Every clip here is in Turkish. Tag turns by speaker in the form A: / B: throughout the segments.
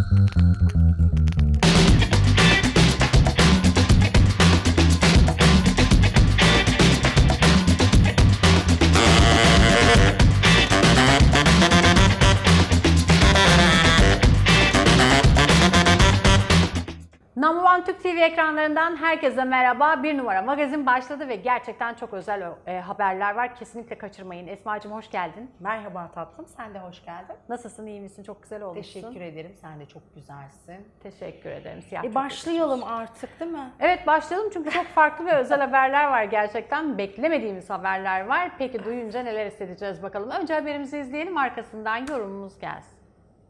A: Number One Türk TV ekranlarından herkese merhaba. Bir numara magazin başladı ve gerçekten çok özel haberler var. Kesinlikle kaçırmayın. Esma'cığım hoş geldin.
B: Merhaba tatlım, sen de hoş geldin.
A: Nasılsın, iyi misin? Çok güzel olmuşsun.
B: Teşekkür ederim, sen de çok güzelsin.
A: Teşekkür ederim. Siyah çok
B: Başlayalım artık değil mi?
A: Evet başlayalım çünkü çok farklı ve özel haberler var gerçekten. Beklemediğimiz haberler var. Peki duyunca neler hissedeceğiz bakalım. Önce haberimizi izleyelim, arkasından yorumumuz gelsin.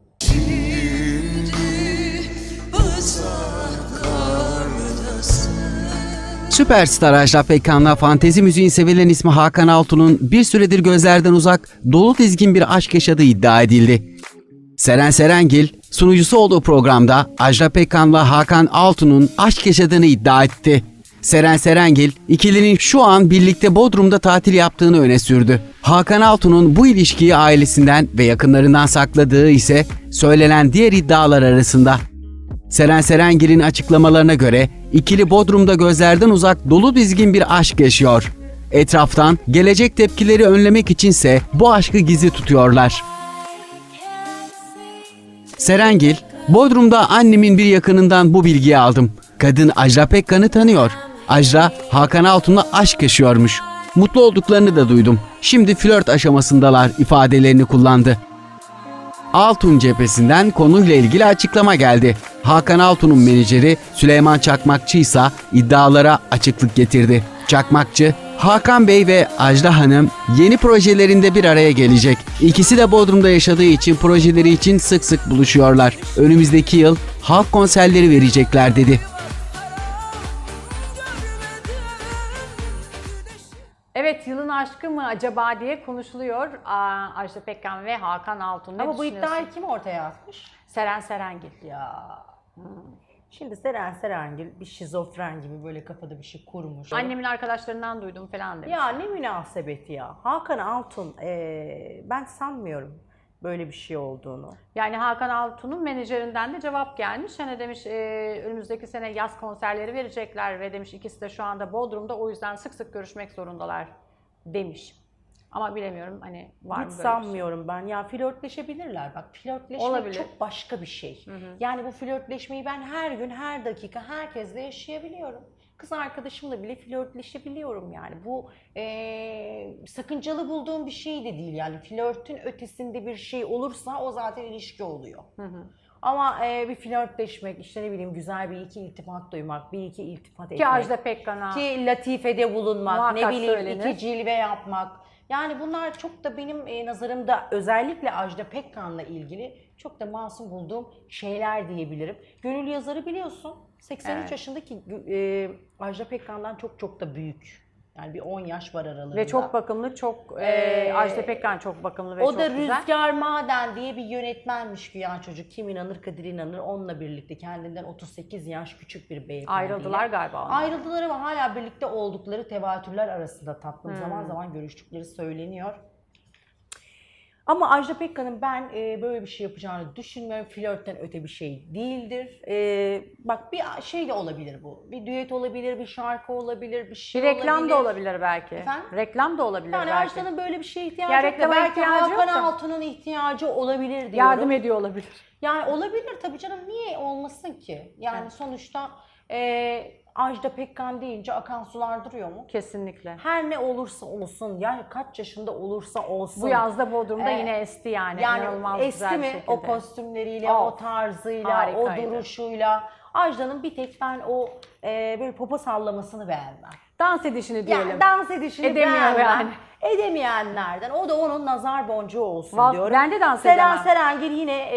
C: Süperstar Ajda Pekkan'la fantezi müziğin sevilen ismi Hakan Altun'un bir süredir gözlerden uzak, dolu dizgin bir aşk yaşadığı iddia edildi. Seren Serengil, sunucusu olduğu programda Ajda Pekkan'la Hakan Altun'un aşk yaşadığını iddia etti. Seren Serengil, ikilinin şu an birlikte Bodrum'da tatil yaptığını öne sürdü. Hakan Altun'un bu ilişkiyi ailesinden ve yakınlarından sakladığı ise söylenen diğer iddialar arasında. Seren Serengil'in açıklamalarına göre ikili Bodrum'da gözlerden uzak dolu dizgin bir aşk yaşıyor. Etraftan gelecek tepkileri önlemek içinse bu aşkı gizli tutuyorlar. Serengil, Bodrum'da annemin bir yakınından bu bilgiyi aldım. Kadın Ajda Pekkan'ı tanıyor. Ajda, Hakan Altun'la aşk yaşıyormuş. Mutlu olduklarını da duydum. Şimdi flört aşamasındalar ifadelerini kullandı. Altun cephesinden konuyla ilgili açıklama geldi. Hakan Altun'un menajeri Süleyman Çakmakçı ise iddialara açıklık getirdi. Çakmakçı, Hakan Bey ve Ajda Hanım yeni projelerinde bir araya gelecek. İkisi de Bodrum'da yaşadığı için projeleri için sık sık buluşuyorlar. Önümüzdeki yıl halk konserleri verecekler dedi.
A: Evet, yılın aşkı mı acaba diye konuşuluyor. Ajda Pekkan ve Hakan Altun. Ne
B: Ama bu
A: düşünüyorsun?
B: iddiayı kim ortaya atmış?
A: Seren Serengil.
B: Ya. Şimdi Seren Serengil bir şizofren gibi böyle kafada bir şey kurmuş.
A: Annemin arkadaşlarından duydum falan demiş.
B: Ya ne münasebet ya. Hakan Altun, ben sanmıyorum böyle bir şey olduğunu.
A: Yani Hakan Altun'un menajerinden de cevap gelmiş. Hani demiş önümüzdeki sene yaz konserleri verecekler ve demiş ikisi de şu anda Bodrum'da, o yüzden sık sık görüşmek zorundalar demiş. Ama bilemiyorum hani var mı
B: Hiç
A: böyle
B: sanmıyorum ben. Ya flörtleşebilirler. Bak flörtleşmek
A: Olabilir.
B: çok başka bir şey. Yani bu flörtleşmeyi ben her gün, her dakika herkesle yaşayabiliyorum. Kız arkadaşımla bile flörtleşebiliyorum yani. Bu sakıncalı bulduğum bir şey de değil yani. Flörtün ötesinde bir şey olursa o zaten ilişki oluyor. Ama bir flörtleşmek, işte ne bileyim güzel bir iki iltifat duymak, bir iki iltifat etmek.
A: Ki Ajda Pekkan'a.
B: Ki latifede bulunmak,
A: Muhakkak
B: ne bileyim
A: söylenir.
B: iki cilve yapmak. Yani bunlar çok da benim nazarımda özellikle Ajda Pekkan'la ilgili çok da masum bulduğum şeyler diyebilirim. Gönül Yazarı biliyorsun 83
A: Evet.
B: yaşındaki Ajda Pekkan'dan çok çok da büyük. Yani bir 10 yaş var aralarında.
A: Ve çok bakımlı, çok Ajda Pekkan çok bakımlı ve
B: o
A: çok
B: da
A: güzel.
B: Rüzgar Maden diye bir yönetmenmiş güya çocuk. Kim inanır Kadir inanır. Onunla birlikte kendinden 38 yaş küçük bir beyefendiyle.
A: Ayrıldılar galiba onlar.
B: Ayrıldılar ama hala birlikte oldukları tevatürler arasında tatlım. Zaman zaman görüştükleri söyleniyor. Ama Ajda Pekkan'ın ben böyle bir şey yapacağını düşünmüyorum. Flörtten öte bir şey değildir. Bak bir şey de olabilir bu. Bir düet olabilir, bir şarkı olabilir, bir şey
A: Bir reklam
B: olabilir.
A: da olabilir belki.
B: Efendim?
A: Reklam da olabilir
B: Yani
A: belki.
B: Ajda'nın böyle bir şeye ihtiyacı
A: Ya
B: yok da
A: reklama
B: belki
A: ihtiyacı yok
B: Hakan
A: da.
B: Altun'un ihtiyacı olabilir diyorum.
A: Yardım ediyor olabilir.
B: Yani olabilir tabii canım, niye olmasın ki? Yani
A: Evet.
B: sonuçta Ajda Pekkan deyince akan sular duruyor mu?
A: Kesinlikle.
B: Her ne olursa olsun, yani kaç yaşında olursa olsun.
A: Bu yazda Bodrum'da
B: Ee,
A: yine esti yani.
B: Yani
A: İnanılmaz
B: esti
A: güzel bir
B: mi
A: şekilde.
B: o kostümleriyle,
A: Oh,
B: o tarzıyla,
A: harikaydı.
B: o duruşuyla. Ajda'nın bir tek ben o böyle popo sallamasını beğenmem.
A: Dans edişini diyelim.
B: Yani dans edişini
A: Edemiyor
B: beğenmem.
A: yani.
B: Edemeyenlerden. O da onun nazar boncuğu olsun
A: Vallahi
B: diyorum.
A: ben de dans
B: Seren
A: edemem.
B: Serengil yine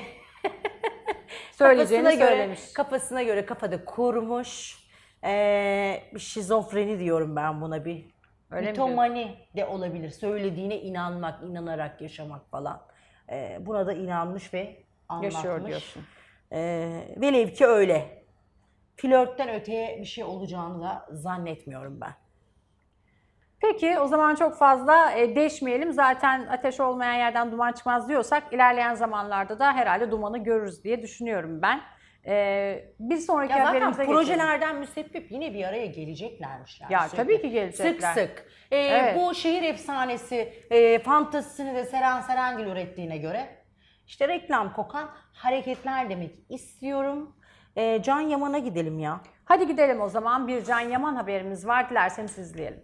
A: Söyleyeceğini
B: kafasına göre,
A: söylemiş.
B: kafasına göre kafada kurmuş. Bir şizofreni diyorum ben buna, bir
A: Öyle mi
B: mitomani de olabilir. Söylediğine inanmak, inanarak yaşamak falan. Buna da inanmış ve anlatmış.
A: Yaşıyor diyorsun.
B: Velev ki öyle. Flörtten öteye bir şey olacağını da zannetmiyorum ben.
A: Peki o zaman çok fazla deşmeyelim. Zaten ateş olmayan yerden duman çıkmaz diyorsak ilerleyen zamanlarda da herhalde dumanı görürüz diye düşünüyorum ben. Bir sonraki
B: Ya zaten
A: haberimize geçelim.
B: projelerden müsebbip yine bir araya geleceklermiş yani.
A: Ya
B: sürekli.
A: tabii ki gelecekler.
B: Sık sık.
A: Evet.
B: Bu şehir efsanesi fantazisini de Seren Serengil ürettiğine göre işte reklam kokan hareketler demek istiyorum. Can Yaman'a gidelim ya.
A: Hadi gidelim o zaman. Bir Can Yaman haberimiz var. Dilerseniz izleyelim.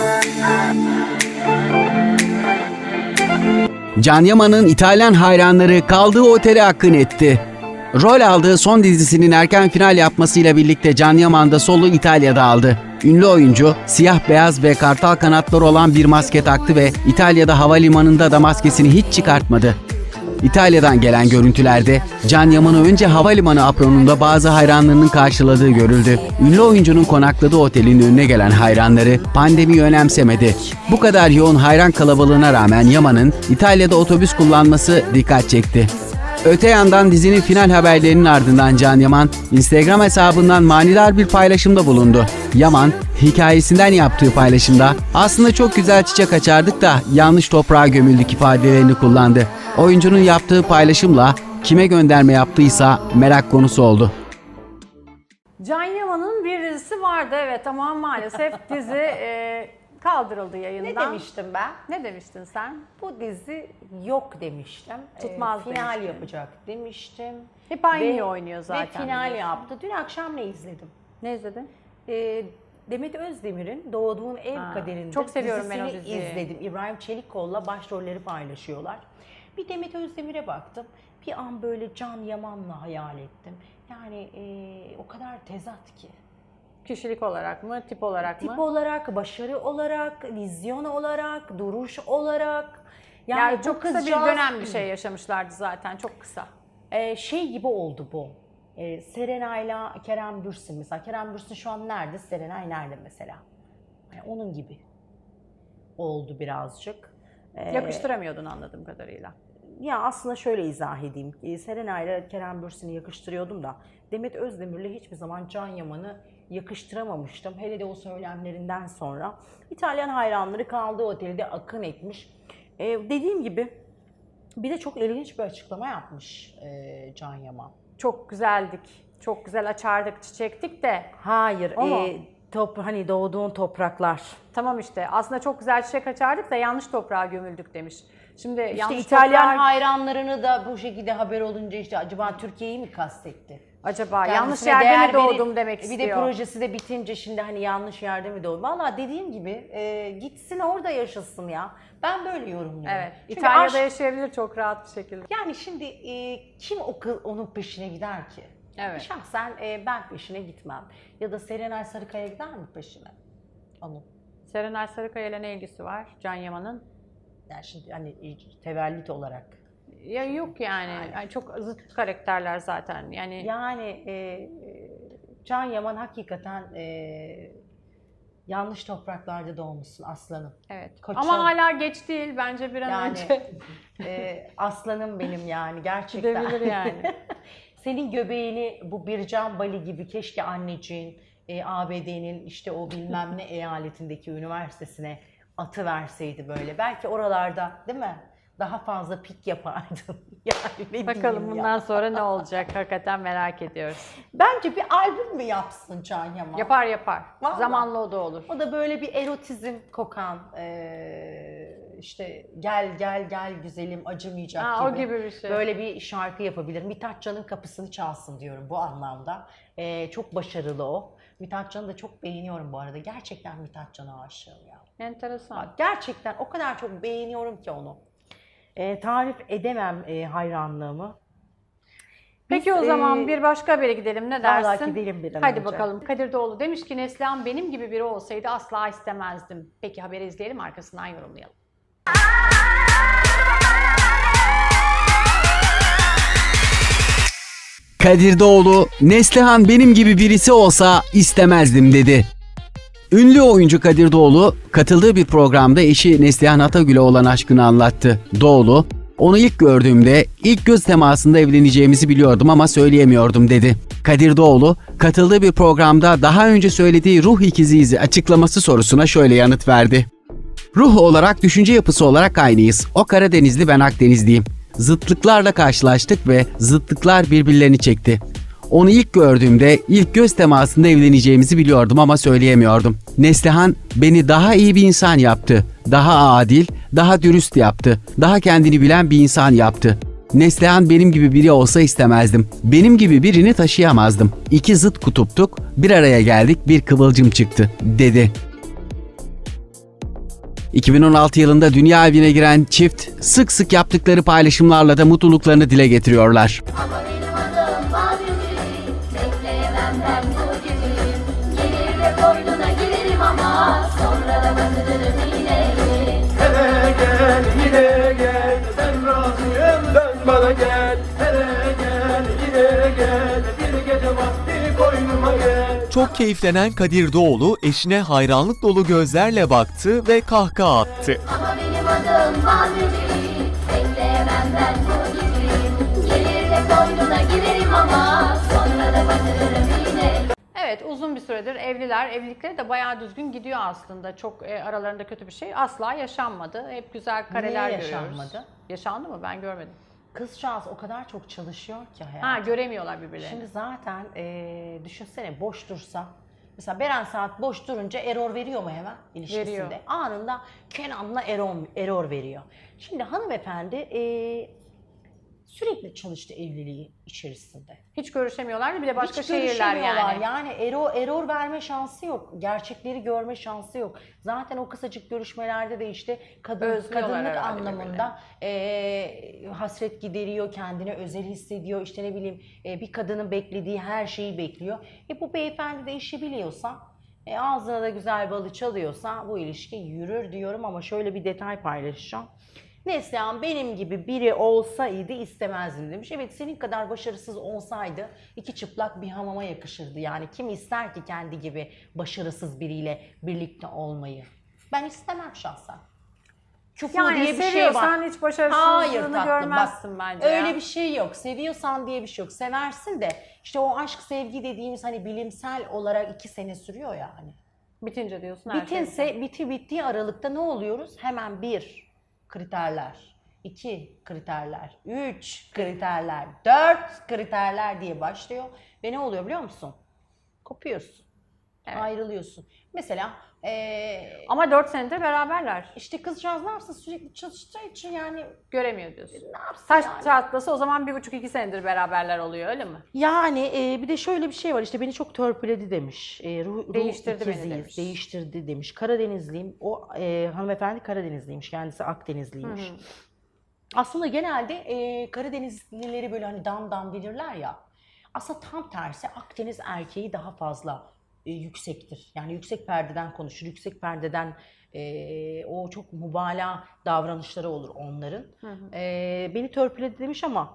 C: Can Yaman'ın İtalyan hayranları kaldığı otele akın etti. Rol aldığı son dizisinin erken final yapmasıyla birlikte Can Yaman da solu İtalya'da aldı. Ünlü oyuncu siyah beyaz ve kartal kanatları olan bir maske taktı ve İtalya'da havalimanında da maskesini hiç çıkartmadı. İtalya'dan gelen görüntülerde Can Yaman'ı önce havalimanı apronunda bazı hayranlarının karşıladığı görüldü. Ünlü oyuncunun konakladığı otelin önüne gelen hayranları pandemiyi önemsemedi. Bu kadar yoğun hayran kalabalığına rağmen Yaman'ın İtalya'da otobüs kullanması dikkat çekti. Öte yandan dizinin final haberlerinin ardından Can Yaman, Instagram hesabından manidar bir paylaşımda bulundu. Yaman, hikayesinden yaptığı paylaşımda "Aslında çok güzel çiçek açardık da yanlış toprağa gömüldük" ifadelerini kullandı. Oyuncunun yaptığı paylaşımla kime gönderme yaptıysa merak konusu oldu.
A: Can Yaman'ın bir dizisi vardı evet ama maalesef dizi kaldırıldı yayından.
B: Ne demiştim ben?
A: Ne demiştin sen?
B: Bu dizi yok demiştim.
A: Tutmaz
B: final
A: demiştin.
B: yapacak demiştim.
A: Hep aynı oynuyor zaten.
B: Ve final
A: biliyorsun.
B: yaptı. Dün akşam ne izledim?
A: Ne izledin?
B: Demet Özdemir'in Doğduğun Ev Kaderinde
A: çok seviyorum ben o
B: dizisini
A: diziyi.
B: izledim. İbrahim Çelikkol'la başrolleri paylaşıyorlar. Bir Demet Özdemir'e baktım. Bir an böyle Can Yaman'la hayal ettim. Yani o kadar tezat ki.
A: Kişilik olarak mı, tip olarak
B: Tip
A: mı?
B: olarak, başarı olarak, vizyon olarak, duruş olarak.
A: Yani
B: bu
A: çok kısa bir
B: kızcağız-
A: dönem bir şey yaşamışlardı zaten, çok kısa.
B: Şey gibi oldu bu. Serenay'la Kerem Bürsin mesela. Kerem Bürsin şu an nerede? Serenay nerede mesela? Yani onun gibi oldu birazcık.
A: Yakıştıramıyordun anladığım kadarıyla.
B: Ya aslında şöyle izah edeyim. Serenay'la Kerem Bürsin'i yakıştırıyordum da Demet Özdemir'le hiçbir zaman Can Yaman'ı yakıştıramamıştım. Hele de o söylemlerinden sonra. İtalyan hayranları kaldığı otelde akın etmiş. Dediğim gibi bir de çok ilginç bir açıklama yapmış Can Yaman.
A: Çok güzeldik, çok güzel açardık, çiçektik de.
B: Hayır,
A: O mu?
B: hani doğduğun topraklar.
A: Tamam işte aslında çok güzel çiçek açardık da yanlış toprağa gömüldük demiş. Şimdi
B: İşte
A: yanlış
B: İtalyan
A: toprağa...
B: hayranlarını da bu şekilde haber olunca işte acaba Türkiye'yi mi kastetti?
A: Acaba yanlış
B: Kendisine
A: yerde
B: değer
A: mi doğdum
B: verip-
A: demek
B: Bir
A: istiyor.
B: de projesi de bitince şimdi hani yanlış yerde mi doğdum? Valla dediğim gibi gitsin orada yaşasın ya. Ben böyle yorumluyorum.
A: Evet,
B: Çünkü
A: İtalya'da
B: aşk-
A: yaşayabilir çok rahat bir şekilde.
B: yani şimdi kim onun peşine gider ki?
A: Evet.
B: Şahsen ben peşine gitmem. Ya da Serenay Sarıkaya gider mi peşine? Onun.
A: Serenay Sarıkaya ile ne ilgisi var Can Yaman'ın?
B: Yani şimdi hani tevellit olarak.
A: Ya yok yani çok zıt karakterler zaten yani.
B: Yani Can Yaman hakikaten yanlış topraklarda doğmuşsun aslanım.
A: Evet.
B: Koçum.
A: Ama hala geç değil bence bir an
B: Yani
A: önce
B: aslanım benim yani gerçekten.
A: gidebilir yani.
B: Senin göbeğini bu Bircan Bali gibi keşke anneciğin ABD'nin işte o bilmem ne eyaletindeki üniversitesine atı verseydi böyle. Belki oralarda değil mi? Daha fazla pik yapardın. Yani ne
A: Bakalım
B: diyeyim
A: bundan
B: ya.
A: sonra ne olacak hakikaten merak ediyoruz.
B: Bence bir albüm mü yapsın Can Yaman?
A: Yapar yapar.
B: Vallahi.
A: Zamanla o da olur.
B: O da böyle bir erotizm kokan işte gel gel gel güzelim acımayacak
A: Ha,
B: gibi.
A: o gibi bir şey.
B: Böyle bir şarkı yapabilir. Mithat Can'ın kapısını çalsın diyorum bu anlamda. Çok başarılı o. Mithat Can'ı da çok beğeniyorum bu arada. Gerçekten Mithat Can'a aşığım ya.
A: Enteresan.
B: Bak, gerçekten o kadar çok beğeniyorum ki onu. Tarif edemem hayranlığımı.
A: Peki
B: Biz,
A: o zaman bir başka habere gidelim ne dersin?
B: vallahi gidelim bir an
A: Hadi
B: önce.
A: bakalım. Kadir Doğulu demiş ki Neslihan benim gibi biri olsaydı asla istemezdim. Peki haberi izleyelim arkasından yorumlayalım.
C: Kadir Doğulu, Neslihan benim gibi birisi olsa istemezdim dedi. Ünlü oyuncu Kadir Doğulu, katıldığı bir programda eşi Neslihan Atagül'e olan aşkını anlattı. Doğulu, onu ilk gördüğümde ilk göz temasında evleneceğimizi biliyordum ama söyleyemiyordum dedi. Kadir Doğulu, katıldığı bir programda daha önce söylediği ruh ikiziyiz açıklaması sorusuna şöyle yanıt verdi. Ruh olarak, düşünce yapısı olarak aynıyız. O Karadenizli, ben Akdenizliyim. Zıtlıklarla karşılaştık ve zıtlıklar birbirlerini çekti. Onu ilk gördüğümde, ilk göz temasında evleneceğimizi biliyordum ama söyleyemiyordum. Neslihan beni daha iyi bir insan yaptı. Daha adil, daha dürüst yaptı. Daha kendini bilen bir insan yaptı. Neslihan benim gibi biri olsa istemezdim. Benim gibi birini taşıyamazdım. İki zıt kutuptuk, bir araya geldik, bir kıvılcım çıktı, dedi. 2016 yılında dünya evine giren çift sık sık yaptıkları paylaşımlarla da mutluluklarını dile getiriyorlar.
D: Ama benim adım Bademciğim, bekleyemem ben bu geceyim. Gelir de koynuna girerim ama sonra da batırırım iğneyi.
E: Hele gel yine gel, ben razıyım dön bana gel. Hele gel yine gel, bir gece vakti koynuma gel.
F: Çok keyiflenen Kadir Doğulu eşine hayranlık dolu gözlerle baktı ve kahkaha attı.
D: Ama benim adım Bademciğim, bekleyemem ben bu geceyim. Gelir de koynuna girerim ama sonra da batırırım iğneyi.
A: Evet, uzun bir süredir evliler. Evlilikleri de bayağı düzgün gidiyor aslında. Çok aralarında kötü bir şey asla yaşanmadı. Hep güzel kareler
B: Niye
A: görüyoruz.
B: yaşanmadı?
A: Yaşandı mı? Ben görmedim.
B: Kızcağız o kadar çok çalışıyor ki hayatım.
A: Ha, göremiyorlar birbirlerini.
B: Şimdi zaten düşünsene boş dursa. Mesela Beren Saat boş durunca error veriyor mu hemen ilişkisinde?
A: Veriyor.
B: Anında Kenan'la error veriyor. Şimdi hanımefendi sürekli çalıştı evliliği içerisinde.
A: Hiç görüşemiyorlar, bir de başka
B: Hiç
A: şehirler
B: görüşemiyorlar.
A: yani.
B: Yani error verme şansı yok. Gerçekleri görme şansı yok. Zaten o kısacık görüşmelerde de işte
A: Özlüyorlar
B: kadınlık
A: herhalde
B: anlamında hasret gideriyor, kendini özel hissediyor. İşte ne bileyim bir kadının beklediği her şeyi bekliyor. Bu beyefendi de işi biliyorsa, ağzına da güzel balı çalıyorsa bu ilişki yürür diyorum ama şöyle bir detay paylaşacağım. Neslihan benim gibi biri olsaydı istemezdim demiş. Evet, senin kadar başarısız olsaydı iki çıplak bir hamama yakışırdı. Yani kim ister ki kendi gibi başarısız biriyle birlikte olmayı? Ben istemem şahsen. Küfür
A: Yani
B: diye bir şey var.
A: seviyorsan hiç başarısızlığını
B: Hayır tatlım,
A: görmezsin
B: bak,
A: bence.
B: öyle
A: ya.
B: bir şey yok. Seviyorsan diye bir şey yok. Seversin de işte o aşk sevgi dediğimiz hani bilimsel olarak 2 sene sürüyor ya hani.
A: Bitince diyorsun her şey.
B: Bittiği aralıkta ne oluyoruz? Hemen 1 kriterler, 2 kriterler, 3 kriterler, 4 kriterler diye başlıyor. Ve ne oluyor biliyor musun? Kopuyorsun.
A: Evet.
B: Ayrılıyorsun. Mesela
A: Ama 4 senedir beraberler.
B: işte kızcağız ne yapsın, sürekli çalıştığı için yani
A: Göremiyor diyorsun.
B: ne yapsın
A: Taş
B: yani?
A: çatlasa o zaman 1,5-2 senedir beraberler oluyor, öyle mi?
B: Yani bir de şöyle bir şey var, işte beni çok törpüledi demiş.
A: Değiştirdi beni
B: ikiziyiz,
A: demiş.
B: değiştirdi demiş. Karadenizliyim. O hanımefendi Karadenizliymiş. Kendisi Akdenizliymiş. Aslında genelde Karadenizlileri böyle hani dam bilirler ya. Aslında tam tersi Akdeniz erkeği daha fazla yüksektir. Yani yüksek perdeden konuşur. Yüksek perdeden o çok mübalağa davranışları olur onların. Beni törpüledi demiş ama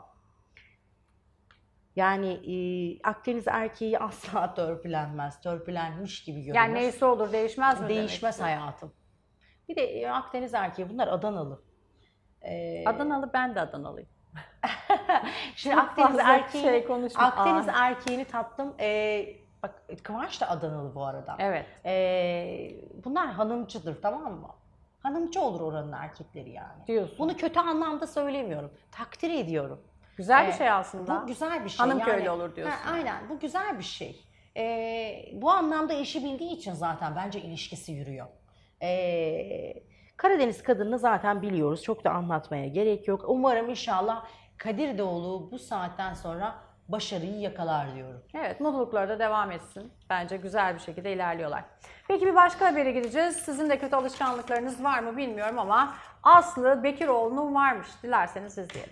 B: yani Akdeniz erkeği asla törpülenmez. Törpülenmiş gibi görünür.
A: Yani neyse olur, değişmez mi?
B: Değişmez
A: demek?
B: hayatım. Bir de Akdeniz erkeği, bunlar Adanalı.
A: Adanalı, ben de Adanalıyım.
B: Şimdi
A: Çok
B: Akdeniz
A: fazla
B: erkeğini,
A: şey konuşma.
B: Akdeniz erkeğini tattım. Bak Kıvanç da Adanalı bu arada.
A: Evet.
B: Bunlar hanımcıdır, tamam mı? Hanımcı olur oranın erkekleri yani.
A: Diyorsun.
B: Bunu kötü anlamda söylemiyorum. Takdir ediyorum.
A: Güzel bir şey aslında.
B: Bu güzel bir şey.
A: Hanım köylü olur diyorsun.
B: Aynen, bu güzel bir şey. Bu anlamda işi bildiği için zaten bence ilişkisi yürüyor. Karadeniz kadını zaten biliyoruz. Çok da anlatmaya gerek yok. Umarım inşallah Kadir Doğulu bu saatten sonra başarıyı yakalar diyorum.
A: Evet, mutlulukları da devam etsin. Bence güzel bir şekilde ilerliyorlar. Peki bir başka habere gideceğiz. Sizin de kötü alışkanlıklarınız var mı bilmiyorum ama Aslı Bekiroğlu'nun varmış. Dilerseniz izleyelim.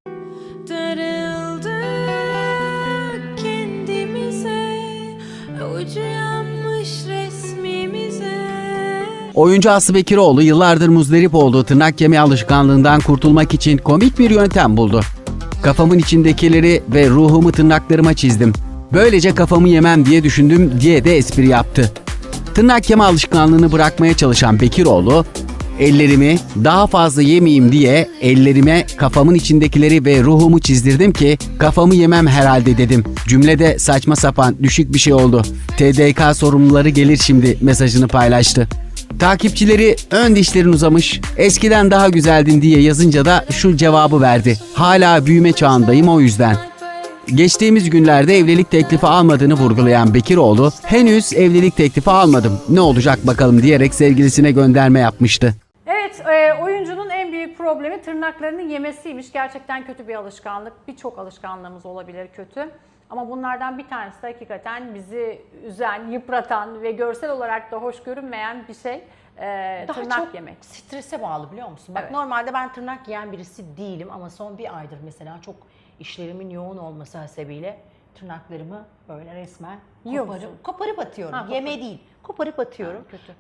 G: Darıldık kendimize, ucu yanmış resmimize.
C: Oyuncu Aslı Bekiroğlu yıllardır muzdarip olduğu tırnak yeme alışkanlığından kurtulmak için komik bir yöntem buldu. Kafamın içindekileri ve ruhumu tırnaklarıma çizdim. Böylece kafamı yemem diye düşündüm diye de espri yaptı. Tırnak yeme alışkanlığını bırakmaya çalışan Bekiroğlu, ellerimi daha fazla yemeyeyim diye ellerime kafamın içindekileri ve ruhumu çizdirdim ki kafamı yemem herhalde dedim. Cümlede saçma sapan düşük bir şey oldu. TDK sorumluları gelir şimdi mesajını paylaştı. Takipçileri ön dişlerin uzamış, eskiden daha güzeldin diye yazınca da şu cevabı verdi. Hala büyüme çağındayım o yüzden. Geçtiğimiz günlerde evlilik teklifi almadığını vurgulayan Bekiroğlu, henüz evlilik teklifi almadım, ne olacak bakalım diyerek sevgilisine gönderme yapmıştı.
A: Evet, oyuncunun en büyük problemi tırnaklarını yemesiymiş. Gerçekten kötü bir alışkanlık. Birçok alışkanlığımız olabilir kötü. Ama bunlardan bir tanesi de hakikaten bizi üzen, yıpratan ve görsel olarak da hoş görünmeyen bir şey.
B: Daha
A: Tırnak
B: çok
A: yemek.
B: strese bağlı biliyor musun? Bak
A: Evet.
B: normalde ben tırnak yiyen birisi değilim ama son bir aydır mesela çok işlerimin yoğun olması hasebiyle tırnaklarımı böyle resmen
A: Yiyor musun?
B: koparıp atıyorum.
A: Ha,
B: Yeme değil, koparıp atıyorum.
A: Ha, kötü.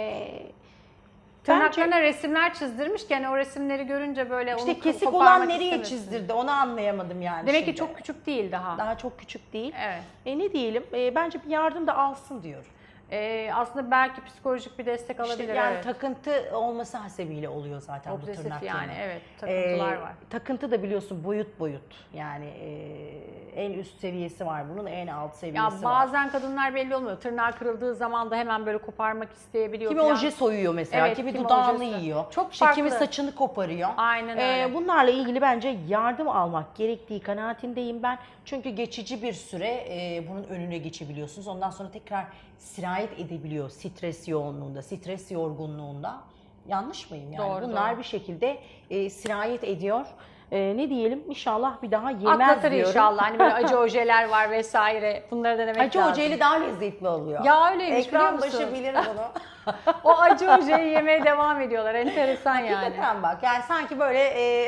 A: Tırnaklarına resimler çizdirmiş ki hani o resimleri görünce böyle
B: İşte
A: onu
B: kesik
A: koparmak
B: olan nereye
A: istemesin.
B: çizdirdi onu anlayamadım yani.
A: Demek ki
B: şimdi.
A: çok küçük değil daha.
B: Daha çok küçük değil.
A: Evet.
B: Ne diyelim? Bence bir yardım da alsın diyor.
A: Aslında belki psikolojik bir destek
B: İşte
A: alabilir.
B: yani
A: evet.
B: takıntı olması hasebiyle oluyor zaten bu
A: Obsesif
B: tırnak
A: yani,
B: yeme.
A: evet, takıntılar var.
B: Takıntı da biliyorsun boyut boyut. Yani en üst seviyesi var bunun, en alt seviyesi
A: Ya
B: var.
A: bazen kadınlar belli olmuyor. Tırnağı kırıldığı zaman da hemen böyle koparmak isteyebiliyor.
B: Kimi
A: falan.
B: oje soyuyor mesela,
A: Evet,
B: kimi
A: kimi
B: dudağını
A: ojesi.
B: yiyor.
A: Çok
B: İşte kimi
A: farklı.
B: saçını koparıyor.
A: Aynen öyle.
B: Bunlarla ilgili bence yardım almak gerektiği kanaatindeyim ben. Çünkü geçici bir süre bunun önüne geçebiliyorsunuz. Ondan sonra tekrar sirayet edebiliyor stres yoğunluğunda, stres yorgunluğunda. Yanlış mıyım yani?
A: Doğru,
B: Bunlar
A: doğru.
B: bir şekilde sirayet ediyor. Ne diyelim? İnşallah bir daha yemez
A: Atlatır
B: diyorum.
A: inşallah. Hani böyle acı ojeler var vesaire. Bunları denemek
B: Acı
A: lazım.
B: ojeyle daha lezzetli oluyor.
A: Ya öyleymiş biliyor
B: Ekran
A: musun?
B: başı bilir bunu.
A: O acı ojeyi yemeye devam ediyorlar. Enteresan yani.
B: Hakikaten bak yani sanki böyle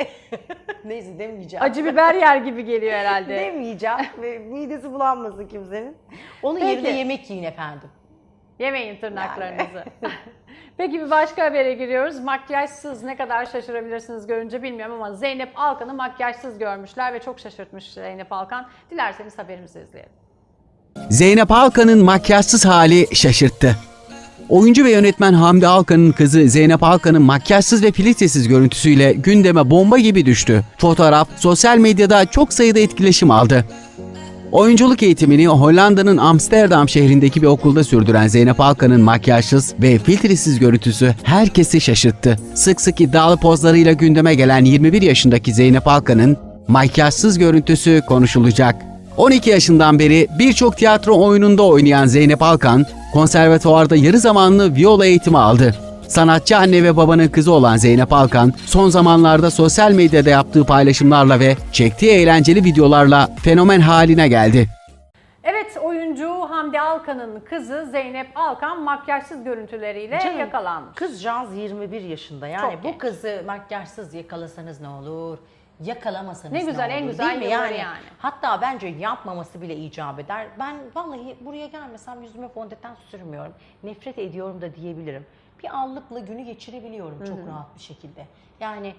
B: neyse demeyeceğim.
A: Acı biber yer gibi geliyor herhalde.
B: Demeyeceğim ve midesi bulanmasın kimsenin. Onun
A: Peki.
B: yerine yemek yiyin efendim.
A: Yemeyin tırnaklarınızı. Peki bir başka habere giriyoruz. Makyajsız ne kadar şaşırabilirsiniz görünce bilmiyorum ama Zeynep Alkan'ı makyajsız görmüşler ve çok şaşırtmış Zeynep Alkan. Dilerseniz haberimizi izleyelim.
C: Zeynep Alkan'ın makyajsız hali şaşırttı. Oyuncu ve yönetmen Hamdi Alkan'ın kızı Zeynep Alkan'ın makyajsız ve filtresiz görüntüsüyle gündeme bomba gibi düştü. Fotoğraf sosyal medyada çok sayıda etkileşim aldı. Oyunculuk eğitimini Hollanda'nın Amsterdam şehrindeki bir okulda sürdüren Zeynep Alkan'ın makyajsız ve filtresiz görüntüsü herkesi şaşırttı. Sık sık iddialı pozlarıyla gündeme gelen 21 yaşındaki Zeynep Alkan'ın makyajsız görüntüsü konuşulacak. 12 yaşından beri birçok tiyatro oyununda oynayan Zeynep Alkan, konservatuvarda yarı zamanlı viola eğitimi aldı. Sanatçı anne ve babanın kızı olan Zeynep Alkan, son zamanlarda sosyal medyada yaptığı paylaşımlarla ve çektiği eğlenceli videolarla fenomen haline geldi.
A: Evet, oyuncu Hamdi Alkan'ın kızı Zeynep Alkan makyajsız görüntüleriyle
B: Canım,
A: yakalanmış.
B: Kızcağız 21 yaşında yani
A: Çok
B: bu
A: genç.
B: kızı makyajsız yakalasanız ne olur? Yakalamasanız
A: Ne güzel,
B: ne
A: en
B: olur,
A: güzel
B: değil mi?
A: yılları yani.
B: Hatta bence yapmaması bile icap eder. Ben vallahi buraya gelmesem yüzüme fondöten sürmüyorum. Nefret ediyorum da diyebilirim. Bir allıkla günü geçirebiliyorum çok rahat bir şekilde. Yani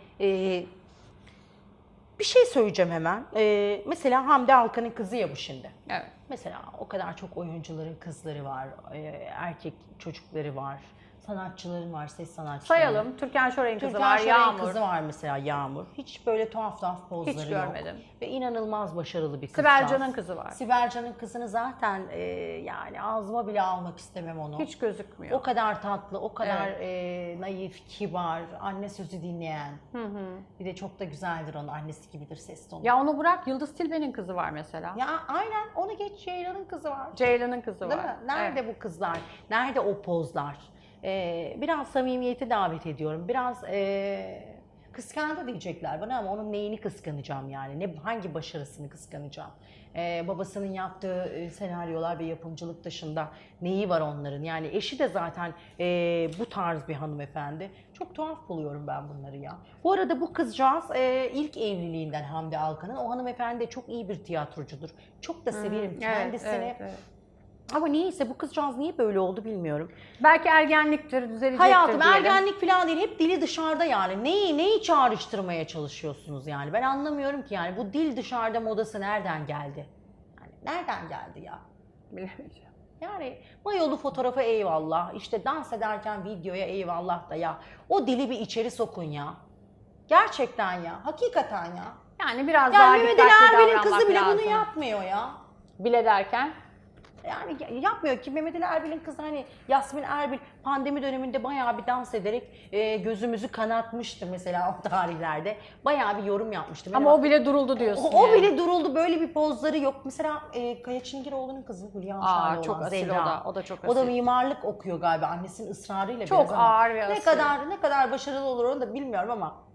B: bir şey söyleyeceğim hemen. Mesela Hamdi Alkan'ın kızı ya bu şimdi.
A: Evet.
B: Mesela o kadar çok oyuncuların kızları var, erkek çocukları var, sanatçıların var, ses sanatçıları.
A: Sayalım. Türkan Şoray'ın kızı
B: Türkan
A: var,
B: Şoray'ın
A: Yağmur.
B: kızı var mesela Yağmur. Hiç böyle tuhaf pozları
A: Hiç
B: yok.
A: görmedim.
B: Ve inanılmaz başarılı bir kız.
A: Sibel Can'ın kızı var.
B: Sibel Can'ın kızını zaten yani ağzıma bile almak istemem onu.
A: Hiç gözükmüyor.
B: O kadar tatlı, o kadar naif, kibar, anne sözü dinleyen. Bir de çok da güzeldir onun, annesi gibidir ses tonu.
A: Ya onu bırak, Yıldız Tilbe'nin kızı var mesela.
B: Ya aynen, onu geç, Ceylan'ın kızı var.
A: Ceylan'ın kızı
B: Değil
A: var.
B: mi? Nerede bu kızlar? Nerede o pozlar? Biraz samimiyeti davet ediyorum. Biraz kıskandı diyecekler bana ama onun neyini kıskanacağım yani? Hangi başarısını kıskanacağım? Babasının yaptığı senaryolar ve yapımcılık dışında neyi var onların? Yani eşi de zaten bu tarz bir hanımefendi. Çok tuhaf buluyorum ben bunları ya. Bu arada bu kızcağız ilk evliliğinden Hamdi Alkan'ın. O hanımefendi de çok iyi bir tiyatrocudur. Çok da severim kendisini.
A: Evet.
B: Ama niyeyse bu kızcağız niye böyle oldu bilmiyorum.
A: Belki ergenliktir, düzelecektir
B: Hayatım
A: diyelim.
B: ergenlik falan değil, hep dili dışarıda yani. Neyi çağrıştırmaya çalışıyorsunuz yani? Ben anlamıyorum ki yani bu dil dışarıda modası nereden geldi? Yani nereden geldi ya?
A: Bilemeyeceğim.
B: Yani mayolu fotoğrafa eyvallah, işte dans ederken videoya eyvallah da ya. O dili bir içeri sokun ya. Gerçekten ya, hakikaten ya.
A: Yani biraz daha
B: Yani Mehmet
A: dikkatli
B: Ali Erbil'in
A: davranmak
B: kızı bile
A: lazım.
B: bunu yapmıyor ya.
A: Bile derken?
B: Yani yapmıyor ki. Mehmet Ali Erbil'in kızı hani Yasmin Erbil pandemi döneminde bayağı bir dans ederek gözümüzü kanatmıştı mesela o tarihlerde. Bayağı bir yorum yapmıştı.
A: Ama o bile duruldu diyorsun
B: O
A: yani.
B: bile duruldu. Böyle bir pozları yok. Mesela Kaya Çingiroğlu'nun kızı Hülya Avşar'la
A: çok
B: olan
A: asil
B: Zehra.
A: o da çok
B: O da
A: asil.
B: mimarlık okuyor galiba annesinin ısrarıyla
A: Çok
B: biraz ama
A: ağır ve asil.
B: ne kadar başarılı olur onu da bilmiyorum ama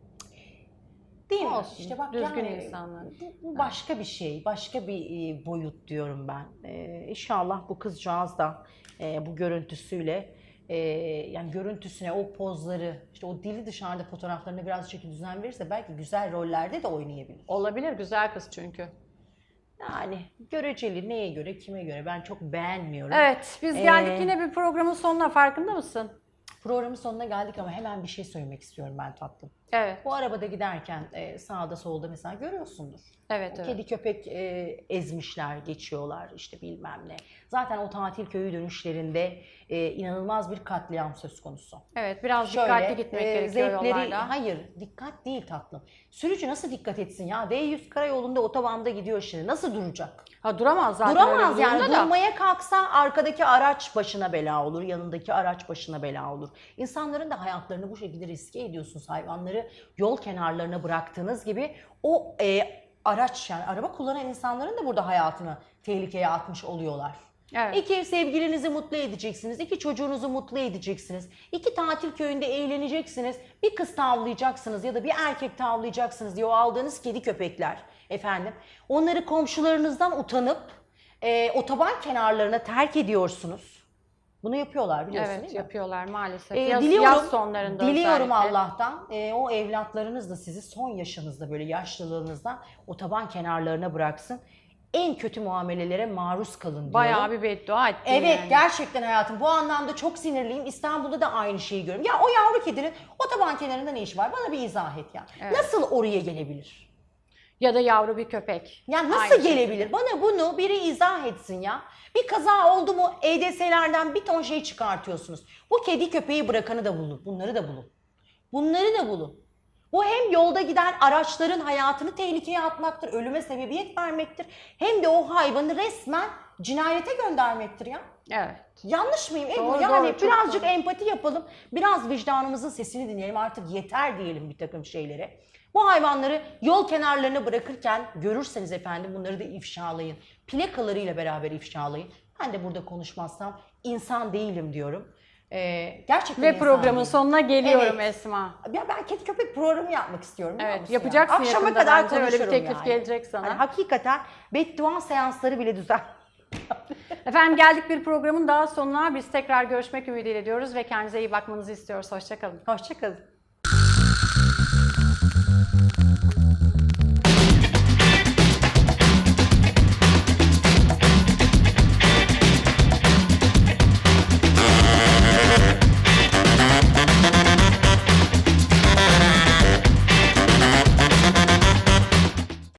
B: değil mi?
A: Olsun,
B: İşte bak
A: düzgün
B: yani,
A: insanlar.
B: bu başka bir şey, başka bir boyut diyorum ben. İnşallah bu kızcağız da bu görüntüsüyle yani görüntüsüne o pozları, işte o dili dışarıda fotoğraflarına biraz çeki düzen verirse belki güzel rollerde de oynayabilir.
A: Olabilir, güzel kız çünkü.
B: Yani göreceli, neye göre, kime göre ben çok beğenmiyorum.
A: Evet, biz geldik yine bir programın sonuna, farkında mısın?
B: Programın sonuna geldik ama hemen bir şey söylemek istiyorum ben tatlım.
A: Evet,
B: Bu arabada giderken sağda solda mesela görüyorsundur.
A: evet,
B: O
A: evet.
B: kedi köpek ezmişler, geçiyorlar işte bilmem ne. Zaten o tatil köyü dönüşlerinde inanılmaz bir katliam söz konusu.
A: Evet, biraz dikkatli gitmek gerekiyor yollarda.
B: Hayır, dikkat değil tatlım. Sürücü nasıl dikkat etsin ya? D100 karayolunda otobanda gidiyor şimdi. Nasıl duracak?
A: Ha, duramaz zaten
B: Duramaz
A: öyle bir
B: yani.
A: durumda da.
B: Durmaya kalksa arkadaki araç başına bela olur, yanındaki araç başına bela olur. İnsanların da hayatlarını bu şekilde riske ediyorsunuz. Hayvanları yol kenarlarına bıraktığınız gibi o araç yani araba kullanan insanların da burada hayatını tehlikeye atmış oluyorlar.
A: Evet.
B: 2 sevgilinizi mutlu edeceksiniz, 2 çocuğunuzu mutlu edeceksiniz, 2 tatil köyünde eğleneceksiniz, bir kız tavlayacaksınız ya da bir erkek tavlayacaksınız diye o aldığınız kedi köpekler efendim. Onları komşularınızdan utanıp otoban kenarlarına terk ediyorsunuz. Bunu yapıyorlar biliyorsun
A: Evet,
B: değil mi?
A: yapıyorlar maalesef.
B: Diliyorum,
A: Yaz sonlarında
B: diliyorum
A: özellikle.
B: Allah'tan o evlatlarınız da sizi son yaşınızda böyle yaşlılığınızda otoban kenarlarına bıraksın. En kötü muamelelere maruz kalın diyorum.
A: Bayağı bir beddua ettin
B: Evet
A: yani.
B: gerçekten hayatım bu anlamda çok sinirliyim. İstanbul'da da aynı şeyi görüyorum. Ya o yavru kedinin otoban kenarında ne işi var? Bana bir izah et ya.
A: Evet.
B: Nasıl oraya gelebilir?
A: Ya da yavru bir köpek.
B: Ya nasıl
A: Aynı şey.
B: gelebilir? Bana bunu biri izah etsin ya. Bir kaza oldu mu EDS'lerden bir ton şey çıkartıyorsunuz. Bu kedi köpeği bırakanı da bulun. Bunları da bulun. Bunları da bulun. Bu hem yolda giden araçların hayatını tehlikeye atmaktır, ölüme sebebiyet vermektir. Hem de o hayvanı resmen cinayete göndermektir ya.
A: Evet.
B: Yanlış mıyım Ebru?
A: Doğru,
B: Yani
A: doğru, çok
B: birazcık
A: doğru.
B: empati yapalım. Biraz vicdanımızın sesini dinleyelim. Artık yeter diyelim bir takım şeylere. Bu hayvanları yol kenarlarına bırakırken görürseniz efendim bunları da ifşalayın. Plakalarıyla beraber ifşalayın. Ben de burada konuşmazsam insan değilim diyorum. Gerçekten
A: Ve
B: insan
A: programın
B: değilim.
A: sonuna geliyorum
B: Evet.
A: Esma.
B: Ya ben kedi köpek programı yapmak istiyorum. biliyor
A: Evet,
B: musun
A: yapacaksın
B: ya? Akşama
A: yakında
B: kadar
A: bence. Öyle bir
B: konuşurum
A: teklif
B: yani.
A: gelecek sana.
B: Hani hakikaten beddua seansları bile düzen.
A: Efendim geldik bir programın daha sonuna. Biz tekrar görüşmek ümidiyle diyoruz ve kendinize iyi bakmanızı istiyoruz. Hoşça kalın.
B: Hoşça kalın.